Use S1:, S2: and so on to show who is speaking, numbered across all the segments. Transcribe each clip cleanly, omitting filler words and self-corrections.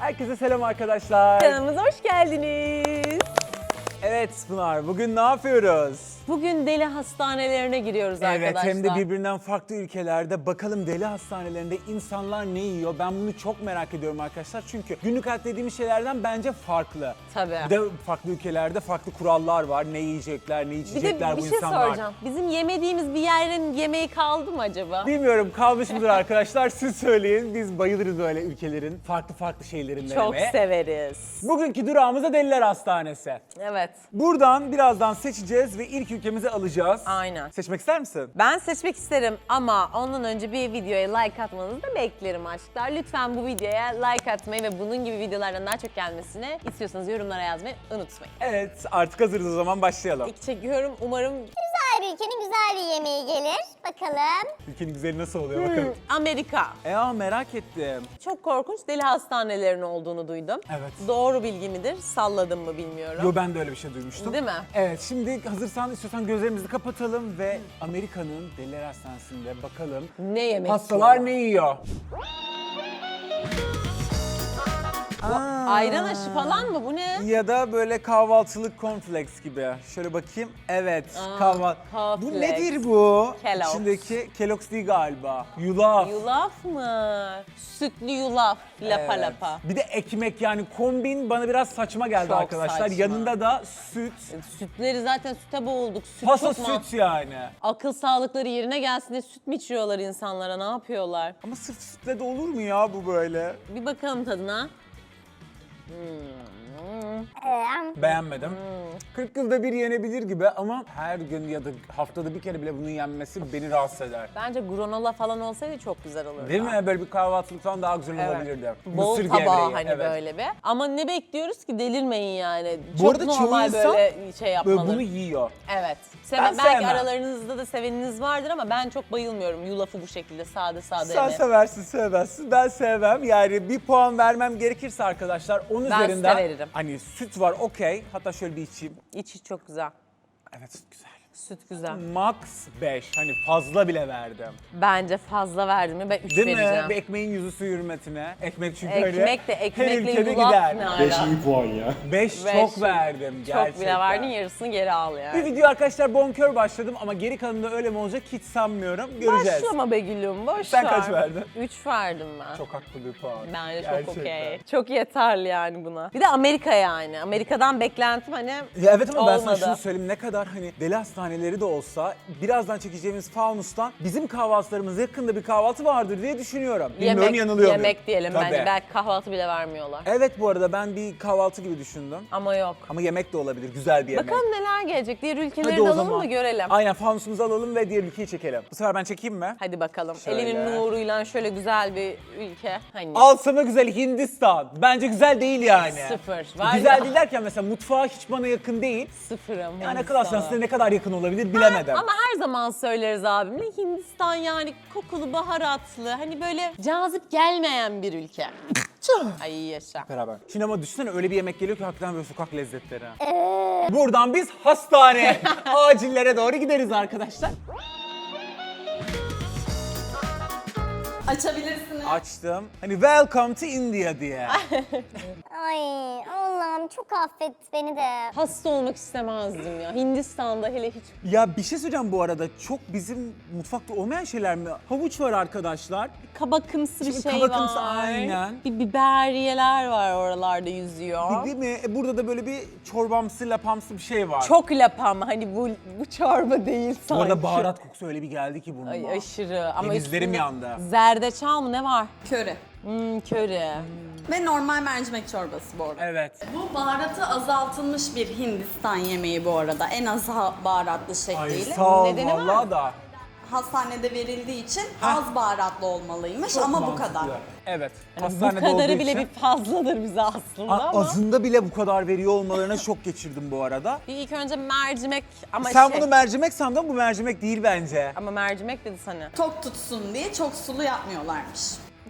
S1: Herkese selam arkadaşlar.
S2: Kanalımıza hoş geldiniz.
S1: Evet Pınar, bugün ne yapıyoruz?
S2: Bugün deli hastanelerine giriyoruz arkadaşlar.
S1: Evet, hem de birbirinden farklı ülkelerde. Bakalım deli hastanelerinde insanlar ne yiyor? Ben bunu çok merak ediyorum arkadaşlar. Çünkü günlük hayat dediğimiz şeylerden bence farklı.
S2: Tabii.
S1: Bir de farklı ülkelerde farklı kurallar var. Ne yiyecekler, ne içecekler
S2: bir
S1: bu
S2: şey
S1: insanlar.
S2: soracağım. Bizim yemediğimiz bir yerin yemeği kaldı mı acaba?
S1: Bilmiyorum, kalmış mıdır arkadaşlar? Siz söyleyin. Biz bayılırız böyle ülkelerin farklı şeylerin
S2: Çok
S1: denemeye.
S2: severiz.
S1: Bugünkü durağımız da Deliler Hastanesi.
S2: Evet.
S1: Buradan birazdan seçeceğiz ve ilk ülkemizi alacağız.
S2: Aynen.
S1: Seçmek ister misin?
S2: Ben seçmek isterim ama ondan önce bir videoya like atmanızı da beklerim aşklar. Lütfen bu videoya like atmayı ve bunun gibi videolardan daha çok gelmesini istiyorsanız yorumlara yazmayı unutmayın.
S1: Evet, artık hazırız o zaman başlayalım.
S2: İlk çekiyorum. Umarım
S3: Güzel bir ülkenin güzel bir yemeği gelir. Bakalım.
S1: Ülkenin güzeli nasıl oluyor bakalım.
S2: Amerika.
S1: Merak ettim.
S2: Çok korkunç deli hastanelerinin olduğunu duydum.
S1: Evet.
S2: Doğru bilgi midir? Salladım mı bilmiyorum.
S1: Yo, ben de öyle bir şey duymuştum.
S2: Değil mi?
S1: Evet, şimdi hazırsan istiyorsan gözlerimizi kapatalım ve Amerika'nın Deliler Hastanesi'nde bakalım
S2: Ne yemek
S1: hastalar
S2: yiyor?
S1: ne yiyor?
S2: Ayran aşı falan mı? Bu ne?
S1: Ya da böyle kahvaltılık cornflakes gibi. Şöyle bakayım. Evet, kahvaltı. Bu
S2: cornflakes.
S1: nedir bu?
S2: Kellogg's.
S1: İçindeki Kellogg's değil galiba. Yulaf.
S2: Yulaf mı? Sütlü yulaf. Lapa
S1: Evet.
S2: lapa.
S1: Bir de ekmek, yani kombin bana biraz saçma geldi
S2: Çok
S1: arkadaşlar.
S2: saçma.
S1: Yanında da süt.
S2: Sütleri zaten süte boğulduk. Süt
S1: Pasa
S2: çok mu?
S1: süt yani.
S2: Akıl sağlıkları yerine gelsin diye süt mü içiyorlar insanlara? Ne yapıyorlar?
S1: Ama sırf sütle de olur mu ya bu böyle?
S2: Bir bakalım tadına.
S1: Beğenmedim. 40 yılda bir yenebilir gibi ama her gün ya da haftada bir kere bile bunun yenmesi beni rahatsız eder.
S2: Bence granola falan olsaydı çok güzel olurdu.
S1: Değil mi? Böyle bir kahvaltılık falan daha güzel
S2: Evet.
S1: olabilirdi.
S2: Bol
S1: Mısır
S2: tabağı
S1: gevreği,
S2: hani
S1: evet.
S2: böyle bir. Ama ne bekliyoruz ki, delirmeyin yani.
S1: Bu
S2: Çok
S1: arada çoğu
S2: normal
S1: insan
S2: böyle şey yapmalı.
S1: Böyle bunu yiyor.
S2: Evet.
S1: Ben
S2: Belki
S1: sevmem.
S2: aralarınızda da seveniniz vardır ama ben çok bayılmıyorum yulafı bu şekilde sade
S1: Sen
S2: yemeye.
S1: seversin, sevmezsin. Ben sevmem. Yani bir puan vermem gerekirse arkadaşlar, onun
S2: Ben
S1: üzerinden
S2: size veririm.
S1: hani süt var, okey. Hatta şöyle bir içeyim.
S2: İçi çok güzel.
S1: Evet, süt güzel.
S2: Süt güzel.
S1: Max 5. Hani fazla bile verdim.
S2: Bence fazla verdim mi ben 3
S1: Değil
S2: vereceğim.
S1: mi? Bir ekmeğin yüzü su hürmetine. Ekmek çünkü öyle
S2: Ekmek de
S1: her
S2: ekmekle
S1: ülkede
S2: yulaf
S1: gider.
S2: ne
S4: 5
S2: ala?
S4: iyi puan ya.
S1: 5
S2: Beş.
S1: çok verdim gerçekten.
S2: Çok bile verdin, yarısını geri al
S1: Bir
S2: yani.
S1: video arkadaşlar bonkör başladım ama geri kalanında öyle mi olacak hiç sanmıyorum. Göreceğiz.
S2: Başlama be gülüm, boş
S1: Sen
S2: ver.
S1: kaç verdin?
S2: 3 verdim ben.
S1: Çok haklı bir puan.
S2: Bence çok
S1: Gerçekten.
S2: okey. Çok yeterli yani buna. Bir de Amerika yani. Amerika'dan beklentim hani
S1: Ya evet ama ben sana
S2: olmadı.
S1: şunu söyleyeyim, ne kadar hani deli hastaneleri de olsa birazdan çekeceğimiz Faunus'tan bizim kahvaltılarımız yakında bir kahvaltı vardır diye düşünüyorum. Bilmiyorum, yanılıyor muyum?
S2: yemek diyelim
S1: Tabii.
S2: bence. Belki kahvaltı bile vermiyorlar.
S1: Evet, bu arada ben bir kahvaltı gibi düşündüm.
S2: Ama yok.
S1: Ama yemek de olabilir, güzel bir yemek.
S2: Bakalım neler gelecek. Diğer ülkeleri
S1: Hadi
S2: de
S1: o
S2: alalım
S1: zaman.
S2: mı görelim.
S1: Aynen, fanusumuzu alalım ve diğer ülkeyi çekelim. Bu sefer ben çekeyim mi?
S2: Hadi bakalım.
S1: Şöyle.
S2: Elinin nuruyla şöyle güzel bir ülke. Hani
S1: Al sana güzel Hindistan. Bence güzel değil yani.
S2: Sıfır. Var
S1: Güzel
S2: ya.
S1: değil derken mesela mutfağı hiç bana yakın değil.
S2: sıfırım.
S1: Yani akıl
S2: Hindistan'a.
S1: hastanesine ne kadar yakın olabilir bilemedim.
S2: Ama her zaman söyleriz abimle, Hindistan yani kokulu, baharatlı, hani böyle cazip gelmeyen bir ülke. Ay yaşa.
S1: Beraber. Şimdi ama düşünsene, öyle bir yemek geliyor ki hakikaten böyle sokak lezzetleri. Buradan biz hastane, acillere doğru gideriz arkadaşlar.
S5: Açabilirsiniz.
S1: Açtım. Hani welcome to India diye.
S3: Ay Allah'ım çok affet beni de.
S2: Hasta olmak istemezdim ya. Hindistan'da hele hiç.
S1: Ya bir şey söyleyeceğim bu arada. Çok bizim mutfakta olmayan şeyler mi? Havuç var arkadaşlar.
S2: Kabakımsı bir
S1: Şimdi
S2: şey
S1: kabakımsı,
S2: var.
S1: aynen.
S2: Bir biberiyeler var oralarda yüzüyor.
S1: Değil mi? Burada da böyle bir çorbamsı, lapamsı bir şey var.
S2: Çok lapam, hani bu çorba değil
S1: Bu
S2: sanki.
S1: arada baharat kokusu öyle bir geldi ki bununla.
S2: Ay aşırı. Ama
S1: Denizlerim
S2: üstünde
S1: yandı.
S2: Zerdeçal mı ne var?
S5: Köri.
S2: Köri.
S5: Ve normal mercimek çorbası bu arada.
S1: Evet.
S5: Bu baharatı azaltılmış bir Hindistan yemeği bu arada. En az baharatlı
S1: Ay
S5: şekliyle.
S1: sağ ol
S2: Nedeni var
S1: vallahi
S2: mı?
S1: da.
S5: Hastanede verildiği için az baharatlı olmalıymış
S1: Çok
S5: ama bu
S1: mantıklı.
S5: kadar.
S1: Evet.
S2: Bu
S1: Hastanede
S2: kadarı
S1: olduğu
S2: bile
S1: için-
S2: bir fazladır bize aslında ama.
S1: Azında bile bu kadar veriyor olmalarına şok geçirdim bu arada.
S2: Bir ilk önce mercimek ama
S1: Sen
S2: şey.
S1: bunu mercimek sandın, bu mercimek değil bence.
S2: Ama mercimek dedi sana.
S5: Tok tutsun diye çok sulu yapmıyorlarmış.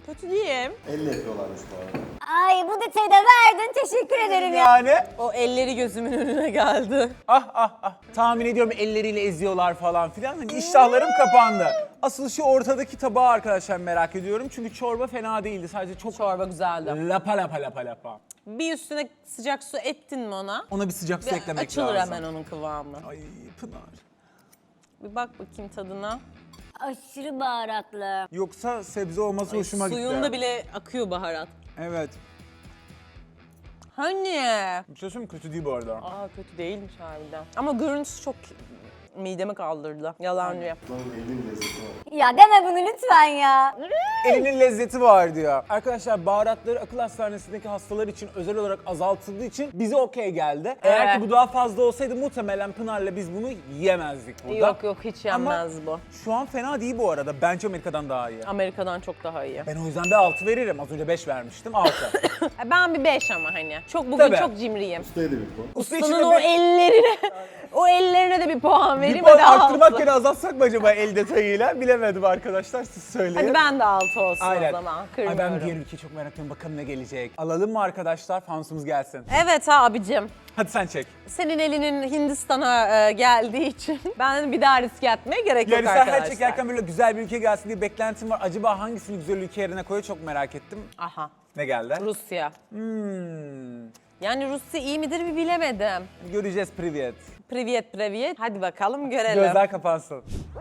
S2: Kötü değil.
S4: Elle yapıyorlarmış bu arada.
S3: Ay bu detayı da verdin. Teşekkür ederim ya.
S1: Yani
S2: O elleri gözümün önüne geldi.
S1: tahmin ediyorum elleriyle eziyorlar falan filan. Hani iştahlarım kapandı. Asıl şu ortadaki tabağı arkadaşlar merak ediyorum. Çünkü çorba fena değildi. Sadece çok
S2: Çorba güzeldi.
S1: lapa.
S2: Bir üstüne sıcak su ettin mi ona?
S1: Ona bir sıcak su eklemek
S2: Açılır
S1: lazım.
S2: hemen onun kıvamı.
S1: Ay Pınar.
S2: Bir bak bakayım tadına.
S3: Aşırı baharatlı.
S1: Yoksa sebze olması hoşuma gitti.
S2: Suyunda bile akıyor baharat.
S1: Evet.
S2: Hani?
S1: Bir şey söyleyeyim mi? Kötü değil bu arada.
S2: Aa kötü değilmiş harbiden. Ama görüntüsü çok midemi kaldırdı. Yalancı.
S4: Bunun elin lezzeti var.
S3: Ya deme bunu lütfen ya.
S1: Elinin lezzeti var diyor. Arkadaşlar baharatları akıl hastanesindeki hastalar için özel olarak azaltıldığı için bize okey geldi. Eğer
S2: Evet.
S1: ki bu daha fazla olsaydı muhtemelen Pınar'la biz bunu yiyemezdik burada.
S2: Yok hiç yenmez bu.
S1: Şu an fena değil bu arada. Bence Amerika'dan daha iyi.
S2: Amerika'dan çok daha iyi.
S1: Ben o yüzden bir 6 veririm. Az önce 5 vermiştim. 6.
S2: Ben bir 5 ama hani. Çok bugün
S1: Tabii.
S2: çok cimriyim.
S4: Ustaya da bir puan.
S1: Usta
S2: Ustanın
S1: içine
S2: o ellerine, o ellerine de bir puan
S1: bir
S2: vereyim.
S1: puan
S2: Hadi
S1: arttırmak
S2: altı.
S1: yerine azaltsak mı acaba el detayıyla? Bilemedim arkadaşlar. Siz söyleyin.
S2: Hadi ben de 6 olsun
S1: Aynen.
S2: o zaman.
S1: Ay
S2: Kırmıyorum.
S1: ben diğer ülkeyi çok merak ediyorum. Bakalım ne gelecek. Alalım mı arkadaşlar? Fanusumuz gelsin.
S2: Evet abicim.
S1: Hadi sen çek.
S2: Senin elinin Hindistan'a geldiği için ben bir daha riske atmaya gerek
S1: Yani
S2: yok
S1: sen
S2: arkadaşlar.
S1: her çekerken böyle güzel bir ülke gelsin diye beklentim var. Acaba hangisini güzel ülke yerine koyuyor çok merak ettim.
S2: Aha.
S1: Ne geldi?
S2: Rusya.
S1: Hmm.
S2: Yani Rusya iyi midir bir bilemedim.
S1: Göreceğiz privyet.
S2: Privyet. Hadi bakalım görelim.
S1: Gözler kapansın.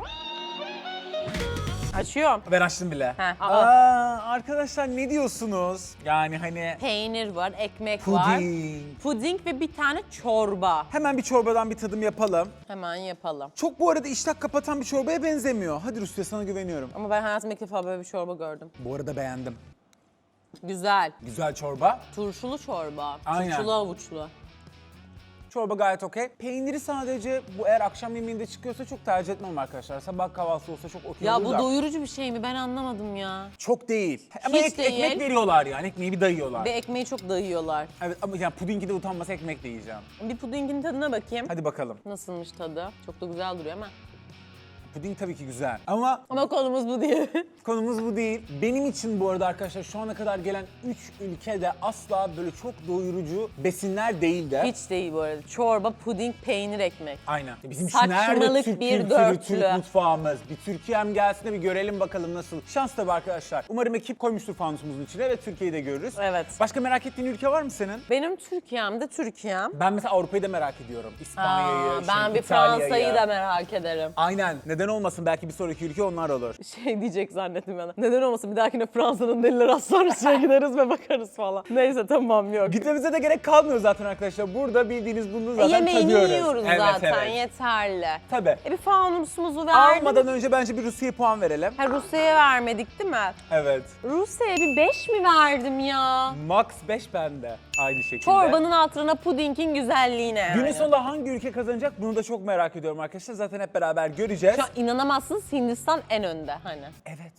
S2: Açıyorum.
S1: Ben açtım bile.
S2: Heh.
S1: Arkadaşlar ne diyorsunuz? Yani hani
S2: Peynir var, ekmek var.
S1: puding.
S2: Puding ve bir tane çorba.
S1: Hemen bir çorbadan bir tadım yapalım.
S2: Hemen yapalım.
S1: Çok bu arada iştah kapatan bir çorbaya benzemiyor. Hadi Rusya sana güveniyorum.
S2: Ama ben hayatımda ilk defa böyle bir çorba gördüm.
S1: Bu arada beğendim.
S2: Güzel.
S1: Güzel çorba.
S2: Turşulu çorba.
S1: Aynen.
S2: Turşulu avuçlu.
S1: Çorba gayet okey. Peyniri sadece bu eğer akşam yemeğinde çıkıyorsa çok tercih etmem arkadaşlar. Sabah kahvaltısı olsa çok okey
S2: Ya
S1: olur
S2: bu
S1: da.
S2: doyurucu bir şey mi? Ben anlamadım ya.
S1: Çok değil. Ama
S2: Hiç değil.
S1: ekmek veriyorlar yani. Ekmeği bir dayıyorlar.
S2: Ve ekmeği çok dayıyorlar.
S1: Evet ama yani pudingi de utanmasa ekmek de yiyeceğim.
S2: Bir pudingin tadına bakayım.
S1: Hadi bakalım.
S2: Nasılmış tadı? Çok da güzel duruyor ama.
S1: Puding tabii ki güzel. Ama
S2: Ama konumuz bu değil.
S1: konumuz bu değil. Benim için bu arada arkadaşlar şu ana kadar gelen 3 ülkede asla böyle çok doyurucu besinler değildi.
S2: Hiç değil bu arada. Çorba, puding, peynir, ekmek.
S1: Aynen. Bizim için nerede
S2: Saçmalık
S1: Türk
S2: bir
S1: kültürü,
S2: dörtlü.
S1: Türk mutfağımız? Bir Türkiye'm gelsin de bir görelim bakalım nasıl. Şans tabii arkadaşlar. Umarım ekip koymuştur fanusumuzun içine ve Türkiye'yi de görürüz.
S2: Evet.
S1: Başka merak ettiğin ülke var mı senin?
S2: Benim Türkiye'mde Türkiye'm.
S1: Ben mesela Avrupa'yı da merak ediyorum. İspanya'yı,
S2: Ben bir
S1: İtalya'yı.
S2: Fransa'yı da merak ederim.
S1: Aynen. Neden olmasın? Belki bir sonraki ülke onlar olur.
S2: Şey diyecek zannettim ben. Neden olmasın bir dahakine Fransa'nın deliler hastanesine gideriz ve bakarız falan. Neyse tamam yok.
S1: Gitmemize de gerek kalmıyor zaten arkadaşlar. Burada bildiğiniz bunu zaten
S2: Yemeğini
S1: tadıyoruz.
S2: yiyoruz
S1: Evet,
S2: zaten
S1: evet.
S2: yeterli.
S1: Tabii.
S2: Bir fanusumuzu verdim.
S1: Almadan önce bence bir Rusya'ya puan verelim.
S2: Ha, Rusya'ya vermedik değil mi?
S1: Evet.
S2: Rusya'ya bir 5 mi verdim ya?
S1: Max 5 bende. Aynı şekilde.
S2: Çorbanın altına pudingin güzelliğine yani.
S1: Günün sonunda hangi ülke kazanacak bunu da çok merak ediyorum arkadaşlar. Zaten hep beraber göreceğiz.
S2: Şu an inanamazsınız Hindistan en önde hani.
S1: Evet.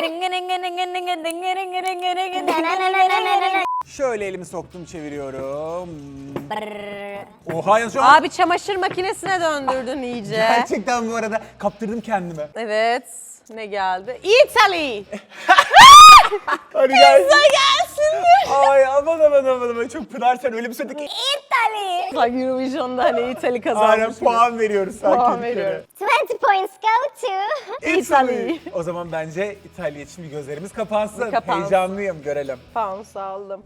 S3: Brrr.
S1: Şöyle elimi soktum çeviriyorum. Oha ya şu an
S2: Abi çamaşır makinesine döndürdün iyice.
S1: gerçekten bu arada kaptırdım kendime.
S2: Evet. Ne geldi? Italy.
S1: Hadi gel.
S2: Gelsin.
S1: Ay aman. Çok Pınar sen öyle bir söyledin ki.
S3: İtali.
S2: Bak Eurovision'da hani Italy
S1: Aynen
S2: kazanmış.
S1: puan veriyoruz sanki.
S2: Puan
S1: ülkelere.
S2: veriyorum.
S3: 20 points go to.
S1: Italy. O zaman bence İtalya için bir gözlerimiz kapansın.
S2: Bir kapansın.
S1: Heyecanlıyım görelim.
S2: Pounds aldım.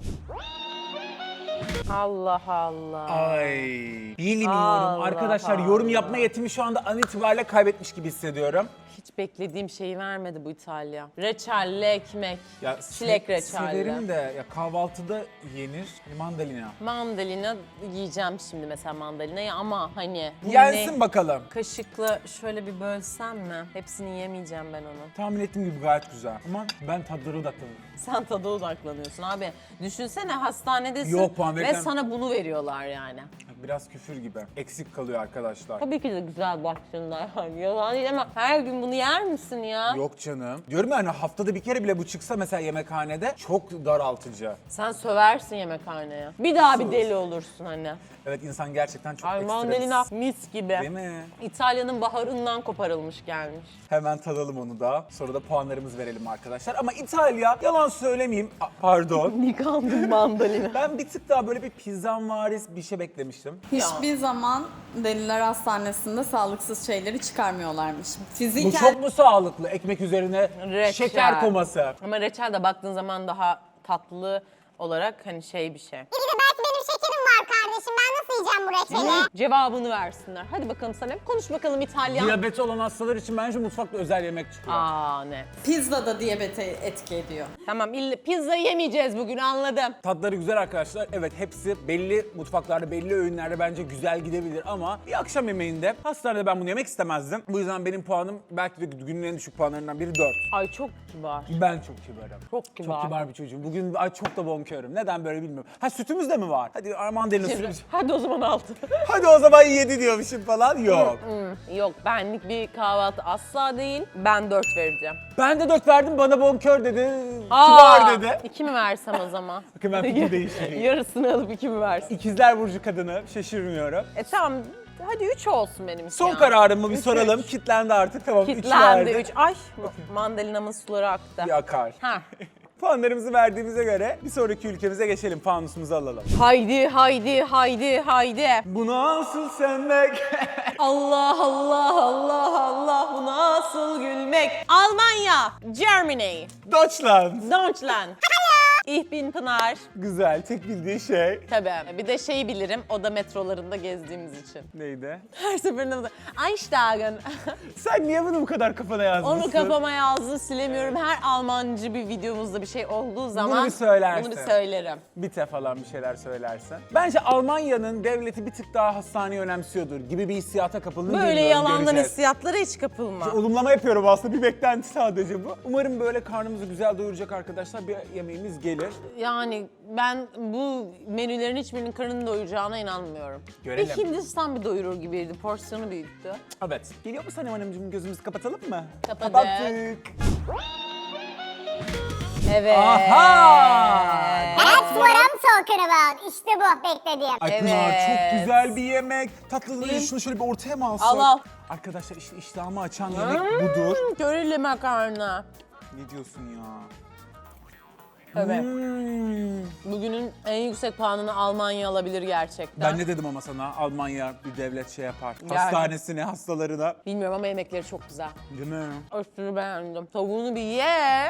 S2: Allah Allah.
S1: Ay bilmiyorum
S2: Allah
S1: arkadaşlar yorum
S2: Allah.
S1: yapma yetimi şu anda an itibariyle kaybetmiş gibi hissediyorum.
S2: Hiç beklediğim şeyi vermedi bu İtalya. Reçelli ekmek,
S1: Ya
S2: çilek reçelli.
S1: Severim de ya kahvaltıda yenir mandalina.
S2: Mandalina yiyeceğim şimdi mesela mandalinayı ama hani... bu
S1: Yensin
S2: ne?
S1: bakalım.
S2: Kaşıkla şöyle bir bölsem mi? Hepsini yemeyeceğim ben onu.
S1: Tahmin ettiğim gibi gayet güzel ama ben tadları odaklanıyorum.
S2: Sen tada odaklanıyorsun abi. Düşünsene hastanedesin
S1: Yok, puan
S2: ve
S1: verirken-
S2: sana bunu veriyorlar yani.
S1: Biraz küfür gibi. Eksik kalıyor arkadaşlar.
S2: Tabii ki de güzel başlığında yani. Yalan değil ama her gün bunu yer misin ya?
S1: Yok canım. Diyorum ya hani haftada bir kere bile bu çıksa mesela yemekhanede çok daraltıcı.
S2: Sen söversin yemekhaneye. Bir daha bir deli olursun hani.
S1: Evet insan gerçekten çok
S2: Ay
S1: ekstra.
S2: mandalina mis gibi.
S1: Değil mi?
S2: İtalya'nın baharından koparılmış gelmiş.
S1: Hemen tadalım onu da. Sonra da puanlarımızı verelim arkadaşlar. Ama İtalya, yalan söylemeyeyim. Pardon.
S2: Yıkandım mandalina.
S1: Ben bir tık daha böyle bir pizzanvaris bir şey beklemiştim.
S5: Hiçbir zaman Deliler Hastanesi'nde sağlıksız şeyleri çıkarmıyorlarmış.
S1: Bu
S5: Fiziken
S1: çok mu sağlıklı? Ekmek üzerine
S2: Reçel.
S1: şeker koması.
S2: Ama reçel de baktığın zaman daha tatlı olarak hani şey bir şey.
S3: Bir de belki benim şekerim var kardeşim. Ben nasıl yiyeceğim bu reçeli?
S2: Cevabını versinler. Hadi bakalım Sanem. Konuş bakalım İtalyan.
S1: Diyabeti olan hastalar için bence mutfakta özel yemek çıkıyor.
S2: Aa ne?
S5: pizza da diyabete etki ediyor.
S2: Tamam pizza yemeyeceğiz bugün anladım.
S1: Tatları güzel arkadaşlar. Evet hepsi belli mutfaklarda, belli öğünlerde bence güzel gidebilir ama bir akşam yemeğinde hastanede ben bunu yemek istemezdim. Bu yüzden benim puanım belki de günün en düşük puanlarından biri 4.
S2: Ay çok kibar.
S1: Ben çok kibarım.
S2: Çok kibar.
S1: Çok kibar bir çocuğum. Bugün ay çok da bonkörüm. Neden böyle bilmiyorum. Ha sütümüz de mi var? Hadi mandalina sütümüz.
S2: Hadi o zaman 6.
S1: Hadi o zaman 7 diyormuşum falan. Yok.
S2: Yok benlik bir kahvaltı asla değil. Ben 4 vereceğim.
S1: Ben de 4 verdim bana bonkör dedi. Kibar dedi.
S2: 2 mi versem o zaman?
S1: Bakın ben fikir değiştireyim.
S2: Yarısını alıp 2 mi versin?
S1: İkizler Burcu kadını şaşırmıyorum.
S2: Tamam hadi 3 olsun benim için
S1: Son
S2: ya.
S1: kararımı bir
S2: Üç,
S1: soralım.
S2: üç.
S1: Kitlendi artık tamam. üç
S2: Kitlendi
S1: verdi.
S2: 3. Ay mandalinamın suları aktı.
S1: Bir akar.
S2: Ha.
S1: Puanlarımızı verdiğimize göre bir sonraki ülkemize geçelim. Fanusumuzu alalım.
S2: Haydi haydi haydi haydi.
S1: Bu nasıl sevmek?
S2: Allah Allah Allah Allah bu nasıl gülmek. Almanya, Germany,
S1: Deutschland.
S2: Deutschland. Ich bin Pınar.
S1: Güzel. Tek bildiği şey.
S2: Tabii. Bir de şeyi bilirim. O da metrolarında gezdiğimiz için.
S1: Neydi?
S2: Her seferinde Einsteigen.
S1: Sen niye bunu bu kadar kafana yazmışsın?
S2: Onu kafama yazdım silemiyorum. Her Almancı bir videomuzda bir şey olduğu zaman
S1: bir söylersin.
S2: bunu bir söylerim.
S1: Bite falan bir şeyler söylersen. Bence Almanya'nın devleti bir tık daha hastaneyi önemsiyordur gibi bir hissiyata kapıldığını
S2: Böyle
S1: bilmiyorum,
S2: yalandan
S1: göreceğiz.
S2: hissiyatlara hiç kapılma.
S1: Olumlama yapıyorum aslında bir beklenti sadece bu. Umarım böyle karnımızı güzel doyuracak arkadaşlar bir yemeğimiz gelir.
S2: Yani ben bu menülerin hiçbirinin karnını doyuracağına inanmıyorum.
S1: Görelim.
S2: Bir Hindistan bir doyurur gibiydi. Porsiyonu büyüktü.
S1: Evet. Geliyor mu Sanem Hanımcığım gözümüzü kapatalım mı?
S2: Kapadık.
S1: Kapattık.
S2: Evet.
S1: Aha!
S3: That's what I'm talking about. İşte bu beklediğim.
S1: Ay Pınar
S2: Evet.
S1: çok güzel bir yemek. Tatlılığını
S2: Değil.
S1: şunu şöyle bir ortaya mı alsak?
S2: Al al.
S1: Arkadaşlar işte iştahımı açan yemek budur.
S2: Körili makarna.
S1: Ne diyorsun ya?
S2: Evet.
S1: Hmm.
S2: Bugünün en yüksek puanını Almanya alabilir gerçekten.
S1: Ben ne dedim ama sana Almanya bir devlet şey yapar.
S2: Yani.
S1: Hastanesine, hastalarına.
S2: Bilmiyorum ama yemekleri çok güzel.
S1: Değil mi?
S2: Aşırı beğendim. Tavuğunu bir ye.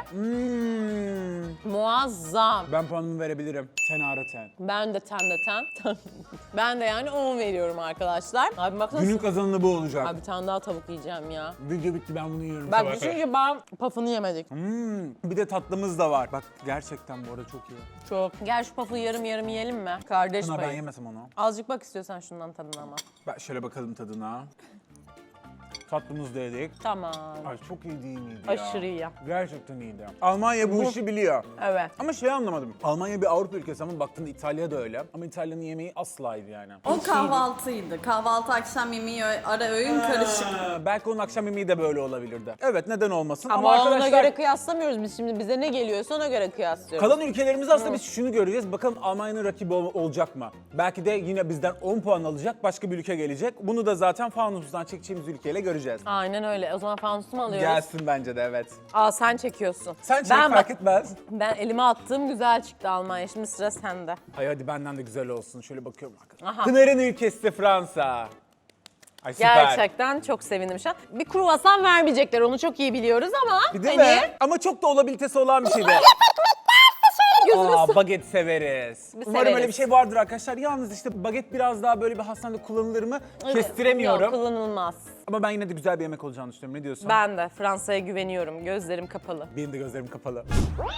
S2: Muazzam.
S1: Ben puanımı verebilirim. 10 out of 10.
S2: Ben de ten de ten. Ben de yani 10 veriyorum arkadaşlar. Abi baksana.
S1: Günün kazananı bu olacak.
S2: Abi bir tane daha tavuk yiyeceğim ya.
S1: Video bitti ben bunu yiyorum.
S2: Bak
S1: sabaha kadar.
S2: düşünce ben pafını yemedik.
S1: Bir de tatlımız da var. Bak gerçekten bu arada çok iyi.
S2: Çok. Gel şu pafı yarım yarım yiyelim mi? Kardeş
S1: Pınar ben
S2: payı.
S1: yemesem onu.
S2: Azıcık bak istiyorsan şundan tadına ama.
S1: Ben şöyle bakalım tadına. Tatlımız da yedik.
S2: Tamam.
S1: Ay çok iyi değil miydi ya?
S2: Aşırı iyi.
S1: Gerçekten iyiydi. Almanya bu işi biliyor.
S2: Evet.
S1: Ama şey anlamadım. Almanya bir Avrupa ülkesi ama baktığında İtalya da öyle. Ama İtalya'nın yemeği aslaydı yani.
S5: O kahvaltıydı. Kahvaltı, akşam yemeği, ara öğün karışık.
S1: Belki onun akşam yemeği de böyle olabilirdi. Evet neden olmasın
S2: Ama,
S1: ama
S2: ona
S1: arkadaşlar
S2: göre kıyaslamıyoruz biz şimdi. Bize ne geliyorsa ona göre kıyaslıyoruz.
S1: kalan ülkelerimiz aslında biz şunu göreceğiz. Bakalım Almanya'nın rakibi olacak mı? Belki de yine bizden 10 puan alacak başka bir ülke gelecek. Bunu da zaten fanustan çekeceğimiz ülkeyle göreceğiz.
S2: Aynen öyle. O zaman fanusu mu alıyoruz?
S1: Gelsin bence de evet.
S2: Aa sen çekiyorsun.
S1: Sen çek
S2: Ben
S1: fark
S2: bak-
S1: etmez.
S2: Ben elime attığım güzel çıktı Almanya. Şimdi sıra sende.
S1: Ay hadi benden de güzel olsun. Şöyle bakıyorum.
S2: Aha.
S1: Pınar'ın ülkesi Fransa. Ay süper.
S2: Gerçekten çok sevindim şu an. Bir kruvasan vermeyecekler onu çok iyi biliyoruz ama
S1: Değil
S2: hani
S1: mi? Ama çok da olabilitesi olan bir şeydi.
S2: gözümüz
S1: Aa, baget severiz.
S2: Biz
S1: Umarım
S2: severiz.
S1: öyle bir şey vardır arkadaşlar. Yalnız işte baget biraz daha böyle bir hastanede kullanılır mı? Kestiremiyorum.
S2: Yok, kullanılmaz.
S1: Ama ben yine de güzel bir yemek olacağını düşünüyorum. Ne diyorsun?
S2: Ben de Fransa'ya güveniyorum. Gözlerim kapalı.
S1: Benim de gözlerim kapalı.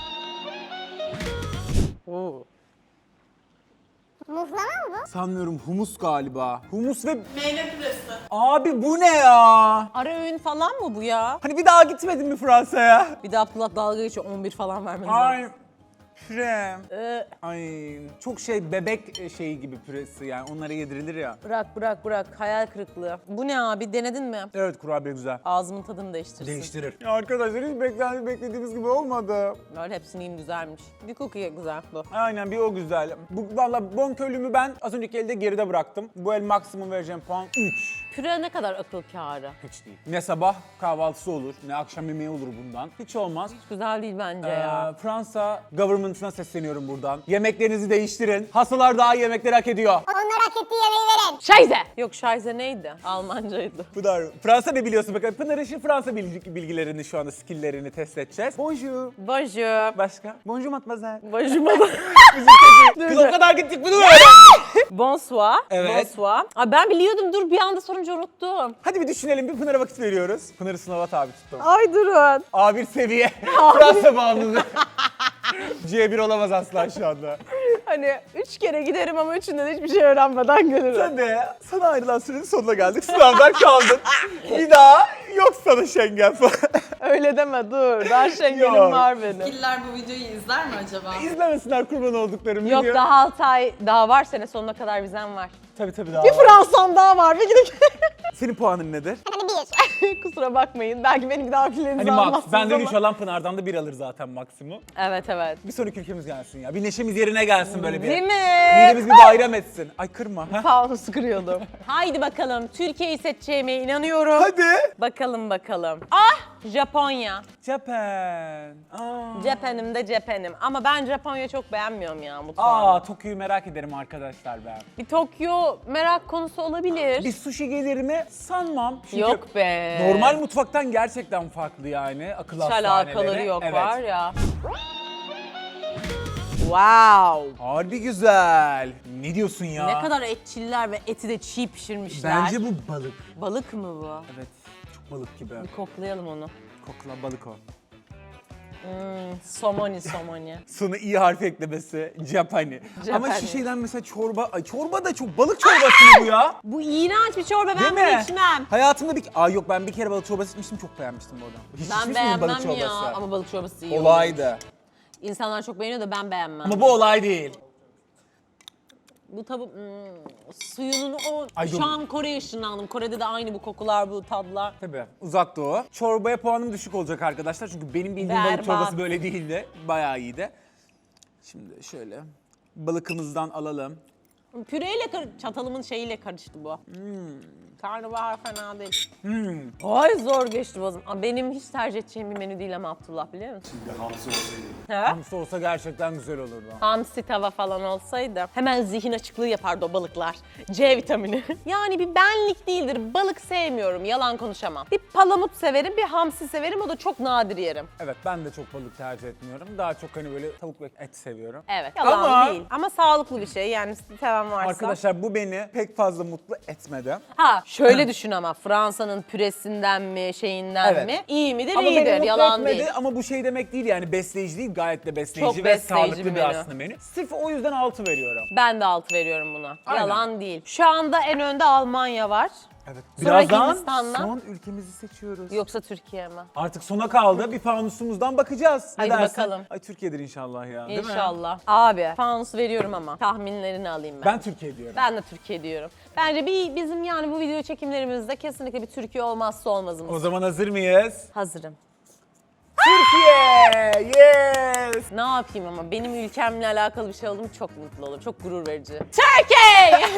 S2: Oo.
S3: Muhlama mı bu?
S1: Sanmıyorum humus galiba. Humus ve...
S5: Meyve püresi.
S1: Abi bu ne ya?
S2: Ara öğün falan mı bu ya?
S1: Hani bir daha gitmedin mi Fransa'ya?
S2: Bir daha Abdullah dalga geçiyor 11 falan vermeniz lazım.
S1: Ay. Püre. Ay çok şey bebek şeyi gibi püresi yani onlara yedirilir ya.
S2: Bırak. Hayal kırıklığı. Bu ne abi? Denedin mi?
S1: Evet kurabiye güzel.
S2: Ağzımın tadını değiştirsin.
S1: Değiştirir. Ya arkadaşlar hiç beklediğimiz gibi olmadı.
S2: Böyle hepsini yiyeyim, güzelmiş. Bir cookie güzel bu.
S1: Aynen bir o güzel. Valla bonkörlüğümü ben az önceki elde geride bıraktım. Bu el maksimum vereceğim puan 3.
S2: Püre ne kadar akıl kârı.
S1: Hiç değil. Ne sabah kahvaltısı olur, ne akşam yemeği olur bundan. Hiç olmaz.
S2: Güzel değil bence ya.
S1: Fransa government'ına sesleniyorum buradan. Yemeklerinizi değiştirin. Hastalar daha iyi yemekleri hak ediyor.
S3: Onlara hak ettiği yemeği verin.
S2: Scheiße! Yok Scheiße neydi? Almancaydı.
S1: Pınar, Fransa ne biliyorsun bakalım? Pınar için Fransa bilgilerini şu anda, skill'lerini test edeceğiz. Bonjour.
S2: Bonjour.
S1: Başka? Bonjour mademoiselle.
S2: Bonjour.
S1: Kız o kadar gittik bunu öğren.
S2: Bonsoir.
S1: Evet.
S2: Bonsoir. Abi ben biliyordum, dur bir anda sorunca unuttum.
S1: Hadi bir düşünelim, bir Pınar'a vakit veriyoruz. Pınar'ı sınava tabi tuttum.
S2: Ay durun.
S1: A1 seviye. Fransa bağımlılığı. C1 olamaz asla şu anda.
S2: Hani 3 kere giderim ama üçünde de hiçbir şey öğrenmeden gelirim.
S1: Sen de sana ayrılan sürenin sonuna geldik. Sınavdan kaldın. Bir daha yok sana Schengen falan.
S2: Öyle deme dur. Daha Schengen'im
S1: Yok.
S2: var benim.
S5: Killer bu videoyu izler mi acaba?
S1: İzlemesinler kurban olduklarım.
S2: Yok
S1: video.
S2: daha 6 ay daha var, sene sonuna kadar vizem var.
S1: Tabii daha
S2: Bir
S1: var.
S2: Fransa'm daha var. Bir gidip
S1: Senin puanın nedir?
S2: kusura bakmayın. Belki benimki daha küllerinizi
S1: Hani max.
S2: almazsınız
S1: Benden
S2: ama.
S1: 3 alan Pınar'dan da 1 alır zaten maksimum.
S2: Evet.
S1: Bir sonraki ülkemiz gelsin ya. Bir neşemiz yerine gelsin böyle bir.
S2: Değil mi?
S1: Midemiz bir bayram etsin. Ay kırma. Ha?
S2: Fanusu kırıyordum. Haydi bakalım. Türkiye'yi seçeceğime inanıyorum.
S1: Hadi.
S2: Bakalım. Ah! Japonya.
S1: Japan.
S2: Japan'ım da Japan'ım. Ama ben Japonya çok beğenmiyorum ya mutfağını.
S1: Tokyo'yu merak ederim arkadaşlar ben.
S2: Bir Tokyo merak konusu olabilir.
S1: Bir sushi gelir mi? Sanmam. Çünkü
S2: Yok be.
S1: normal mutfaktan gerçekten farklı yani. Akıl
S2: Hiç
S1: hastaneleri.
S2: alakaları yok
S1: Evet.
S2: var ya. Wow.
S1: Harbi güzel. Ne diyorsun ya?
S2: Ne kadar etçiller ve eti de çiğ pişirmişler.
S1: Bence bu balık.
S2: Balık mı bu?
S1: Evet. Çok balık gibi.
S2: Bir koklayalım onu.
S1: Kokla balık o.
S2: Somoni.
S1: Sonu iyi harf eklemesi. Japani. Ama
S2: Japani.
S1: şu şeyden mesela çorba. Ay çorba da çok balık çorbası mı bu ya?
S2: Bu iğrenç bir çorba, ben
S1: Değil
S2: bunu
S1: mi?
S2: içmem.
S1: Hayatımda yok ben bir kere balık çorbası içmiştim, çok beğenmiştim bu arada. Hiç
S2: Ben
S1: içmiş miydin balık
S2: beğenmem ya
S1: çorbası?
S2: ama balık çorbası iyi olur.
S1: Olaydı.
S2: İnsanlar çok beğeniyor da ben beğenmem.
S1: Ama bu olay değil.
S2: Bu tabi suyunun o...
S1: Ay,
S2: Şu
S1: dur.
S2: an Kore'ye ışınlandım. Kore'de de aynı bu kokular, bu tadlar.
S1: Tabii. Uzak Doğu. Çorbaya puanım düşük olacak arkadaşlar. Çünkü benim bildiğim balık
S2: Berbat.
S1: çorbası böyle değildi. Bayağı iyiydi. Şimdi şöyle balıkımızdan alalım.
S2: Püreyle çatalımın şeyiyle karıştı bu. Karnabahar fena değil. Ay zor geçti boğazım. Ama benim hiç tercih edeceğim bir menü değil ama Abdullah, biliyor musun?
S4: Bir hamsi olsaydı.
S2: He?
S1: Hamsi olsa gerçekten güzel olurdu.
S2: Hamsi tava falan olsaydı hemen zihin açıklığı yapardı o balıklar. C vitamini. Yani bir benlik değildir. Balık sevmiyorum. Yalan konuşamam. Bir palamut severim, bir hamsi severim. O da çok nadir yerim.
S1: Evet ben de çok balık tercih etmiyorum. Daha çok hani böyle tavuk ve et seviyorum.
S2: Evet. Yalan
S1: Ama-
S2: değil. Ama sağlıklı bir şey. Yani seven varsa.
S1: Arkadaşlar bu beni pek fazla mutlu etmedi.
S2: Ha şöyle düşün ama Fransa'nın püresinden mi şeyinden
S1: Evet.
S2: mi? İyi midir
S1: Ama beni
S2: iyidir.
S1: mutlu
S2: Yalan
S1: etmedi
S2: değil.
S1: ama bu şey demek değil yani besleyici değil, gayet de besleyici
S2: Çok
S1: ve
S2: besleyici
S1: sağlıklı
S2: bir
S1: bir
S2: menü.
S1: aslında menü. Sırf o yüzden 6 veriyorum.
S2: Ben de 6 veriyorum buna.
S1: Aynen.
S2: Yalan değil. Şu anda en önde Almanya var.
S1: Evet.
S2: Sonra
S1: Birazdan
S2: Hindistan'dan.
S1: son ülkemizi seçiyoruz.
S2: Yoksa Türkiye mi?
S1: Artık sona kaldı. Bir fanusumuzdan bakacağız. Ne
S2: Hadi
S1: dersin?
S2: bakalım.
S1: Ay Türkiye'dir inşallah ya. Değil mi?
S2: İnşallah. Abi fanus veriyorum ama tahminlerini alayım ben.
S1: Ben Türkiye diyorum.
S2: Ben de Türkiye diyorum. Bence bizim yani bu video çekimlerimizde kesinlikle bir Türkiye olmazsa olmazımız.
S1: O zaman hazır mıyız?
S2: Hazırım.
S1: Türkiye! Yes!
S2: Ne yapayım ama benim ülkemle alakalı bir şey oldu mu çok mutlu olurum. Çok gurur verici. Türkiye!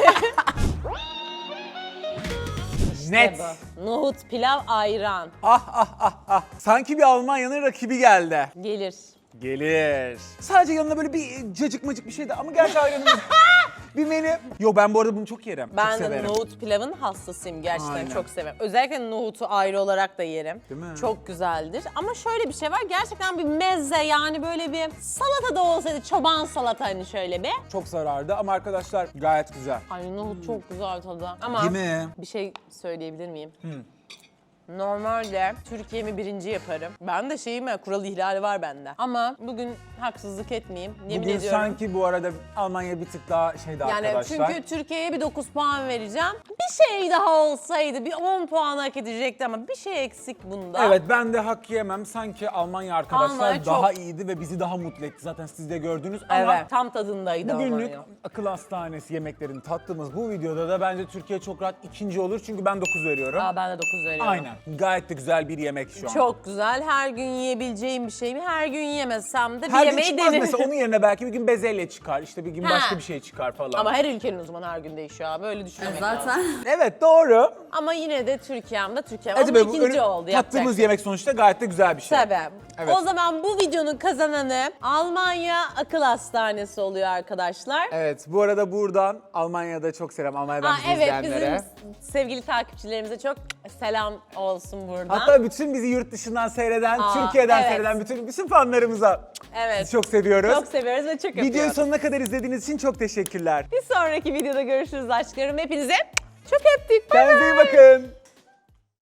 S1: Net.
S2: Bu. Nohut, pilav, ayran.
S1: Sanki bir Almanya'nın rakibi geldi.
S2: Gelir.
S1: Gelir. Sadece yanına böyle bir cacık macık bir şey de ama gerçi ayranımız bir menü. Yo ben bu arada bunu çok yerim.
S2: Ben
S1: çok
S2: de
S1: severim.
S2: nohut pilavın hastasıyım. Gerçekten
S1: Aynen.
S2: çok severim. Özellikle nohutu ayrı olarak da yerim.
S1: Değil mi?
S2: Çok güzeldir. Ama şöyle bir şey var. Gerçekten bir meze, yani böyle bir salata da olsaydı, çoban salata hani şöyle bir.
S1: Çok zarardı ama arkadaşlar gayet güzel.
S2: Ay nohut çok güzel tadı. Ama
S1: Değil mi?
S2: bir şey söyleyebilir miyim? Normalde Türkiye'mi birinci yaparım. Ben de kural ihlali var bende. Ama bugün haksızlık etmeyeyim. Yemin
S1: Bugün
S2: ediyorum.
S1: sanki bu arada Almanya bir tık daha şeydi
S2: Yani
S1: arkadaşlar.
S2: çünkü Türkiye'ye bir 9 puan vereceğim. Bir bir şey daha olsaydı bir 10 puan hak edecekti ama bir şey eksik bunda.
S1: Evet, ben de hak yemem. Sanki Almanya arkadaşlar
S2: Almanya
S1: daha
S2: çok-
S1: iyiydi ve bizi daha mutlu etti. Zaten siz de gördünüz ama
S2: Evet, tam tadındaydı
S1: bugünlük
S2: Almanya.
S1: akıl hastanesi yemeklerini tattığımız bu videoda da bence Türkiye çok rahat ikinci olur. Çünkü ben 9 veriyorum.
S2: Aa, ben de 9 veriyorum.
S1: Aynen. Gayet de güzel bir yemek şu an.
S2: Çok güzel. Her gün yiyebileceğim bir şey mi? Her gün yiyemezsem de bir
S1: Her gün
S2: yemeği
S1: çıkmaz
S2: denerim.
S1: mesela, onun yerine belki bir gün bezelye çıkar, işte bir gün
S2: Ha.
S1: başka bir şey çıkar falan.
S2: Ama her ülkenin o zaman her gün değişiyor abi. Öyle düşünmemek lazım.
S5: Zaten
S1: Evet, doğru.
S2: Ama yine de Türkiye'mde Türkiye.
S1: Hadi
S2: Ama
S1: be, bu
S2: ikinci oldu. yapacak
S1: tattığımız
S2: bir şey.
S1: yemek sonuçta gayet de güzel bir şey.
S2: Tabii.
S1: Evet.
S2: O zaman bu videonun kazananı Almanya Akıl Hastanesi oluyor arkadaşlar.
S1: Evet, bu arada buradan Almanya'da çok selam, Almanya'dan bizi
S2: Evet,
S1: izleyenlere.
S2: bizim sevgili takipçilerimize çok selam olsun buradan.
S1: Hatta bütün bizi yurt dışından seyreden,
S2: Aa,
S1: Türkiye'den
S2: evet.
S1: seyreden bütün fanlarımıza
S2: Evet.
S1: sizi çok seviyoruz.
S2: Çok seviyoruz ve çok
S1: Videoyu
S2: öpüyoruz.
S1: sonuna kadar izlediğiniz için çok teşekkürler.
S2: Bir sonraki videoda görüşürüz aşklarım. Hepinize çok öptük. Bay bay.
S1: Kendinize